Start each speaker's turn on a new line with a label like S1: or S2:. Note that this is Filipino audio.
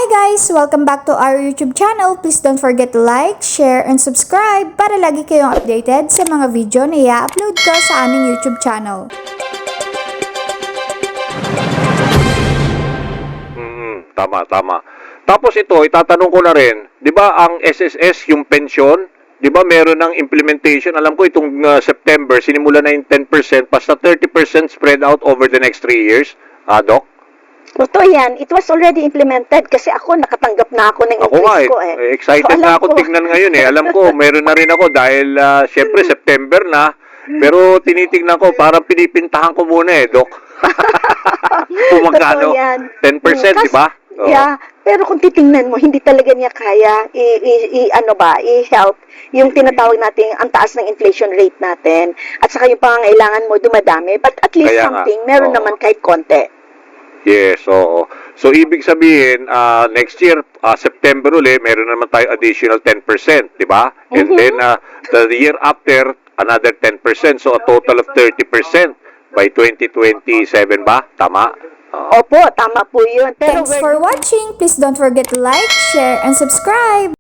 S1: Hi guys! Welcome back to our YouTube channel. Please don't forget to like, share, and subscribe para lagi kayong updated sa mga video na i-upload ko sa aming YouTube channel.
S2: Tama. Tapos ito, itatanong ko na rin, di ba ang SSS, yung pensyon, di ba meron ng implementation? Alam ko itong September, sinimula na yung 10%, basta 30% spread out over the next 3 years, Doc?
S3: Totoo yan. It was already implemented kasi ako nakatanggap na ako ng increase ko eh.
S2: Excited
S3: So,
S2: na ako tignan ngayon eh. Alam ko, meron na rin ako dahil syempre September na, pero tinitignan ko, parang pinipintahan ko muna eh, Doc. Kung magkano, 10%, di ba? Oo.
S3: Yeah, pero kung titingnan mo, hindi talaga niya kaya i-help yung tinatawag nating ang taas ng inflation rate natin at saka yung pangangailangan mo dumadami, but at least
S2: Kaya
S3: something,
S2: nga,
S3: meron
S2: oo.
S3: naman kahit konti.
S2: Yes, oo. So, ibig sabihin, next year, September uli, meron naman tayo additional 10%, di ba? And then, the year after, another 10%. So, a total of 30% by 2027 ba? Tama?
S3: Opo, tama po yun. Pero
S1: Thanks for watching! Please don't forget to like, share, and subscribe!